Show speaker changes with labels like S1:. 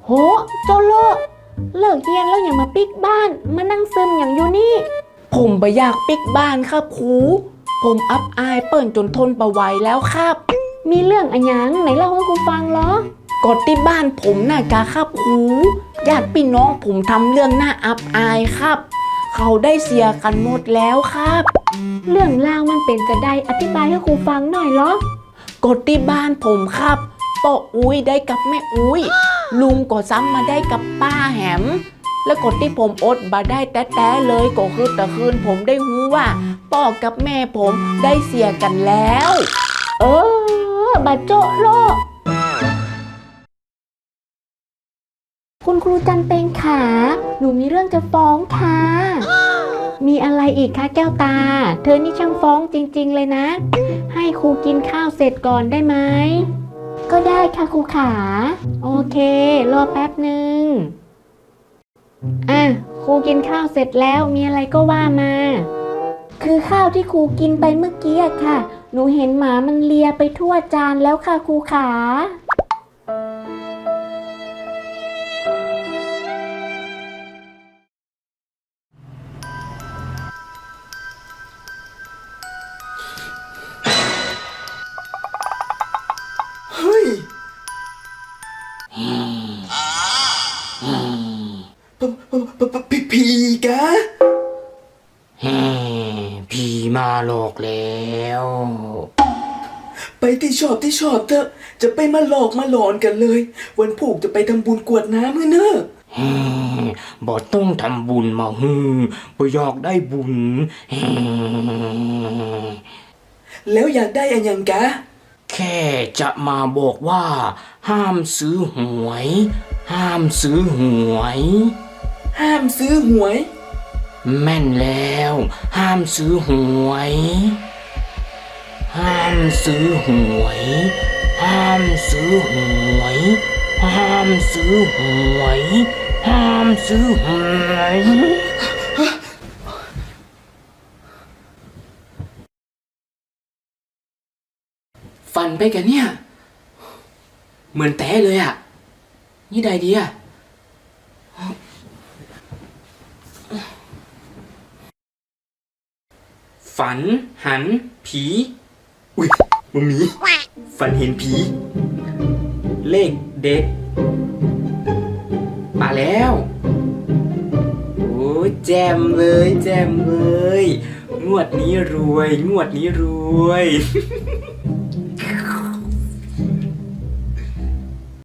S1: โหโจโลเลิกเรียนแล้วอย่ามาปิกบ้านมานั่งซึมอย่างอยู่นี่ผมบ่อยากปิกบ้านครับครูผมอับอายเปิ่นจนทนบ่ไหวแล้วครับมีเรื่องอะหยังไหนเล่าให้ครูฟังเหรอกดที่บ้านผมน่ะกะครับครูญาติพี่น้องผมทำเรื่องน่าอับอายครับเขาได้เสียกันหมดแล้วครับเรื่องราวมันเป็นจะได้อธิบายให้ครูฟังหน่อยเหรอกดที่บ้านผมครับป้าอุ้ยได้กับแม่อุ้ยลุงก็ซ้ำมาได้กับป้าแหมแล้วกดที่ผมอดบ่ได้แต้ๆเลยก็คือแต่คืนผมได้หูว่าป้อกับแม่ผมได้เสียกันแล้วบัดโจะโลกคุณครูจันเปงขาหนูมีเรื่องจะฟ้องค่ะมีอะไรอีกคะแก้วตาเธอนี่ช่างฟ้องจริงๆเลยนะให้ครูกินข้าวเสร็จก่อนได้ไหมก็ได้ค่ะครูขาโอเครอแป๊บหนึ่งครูกินข้าวเสร็จแล้วมีอะไรก็ว่ามาคือข้าวที่ครูกินไปเมื่อกี้อะค่ะหนูเห็นหมามันเลียไปทั่วจานแล้วค่ะครูขา
S2: เฮ้ยผีกะ
S3: ผีมาหลอกแล้ว
S2: ไปที่ชอบเถอะจะไปมาหลอกมาหลอนกันเลย วันผูกจะไปทำบุญกรวดน้ำเนอะ
S3: บ่ต้องทำบุญมาบ่อยากได้บุญ
S2: แล้วอยากได้อันยังกะ
S3: แค่จะมาบอกว่าห้ามซื้อหวย ห้ามซื้อหวย
S2: ห้ามซื้อหวย
S3: แม่นแล้วห้ามซื้อหวยห้ามซื้อหวยห้ามซื้อหวยห้ามซื้อหวยห้ามซื้อหวย
S2: ฝันไปกันเนี่ยเหมือนแต้เลยอ่ะนี่ใดดีอ่ะฝันหันผีอุ๊ยมัมมี่ฝันเห็นผีเลขเด็ดมาแล้วโอ้แจมเลยงวดนี้รวย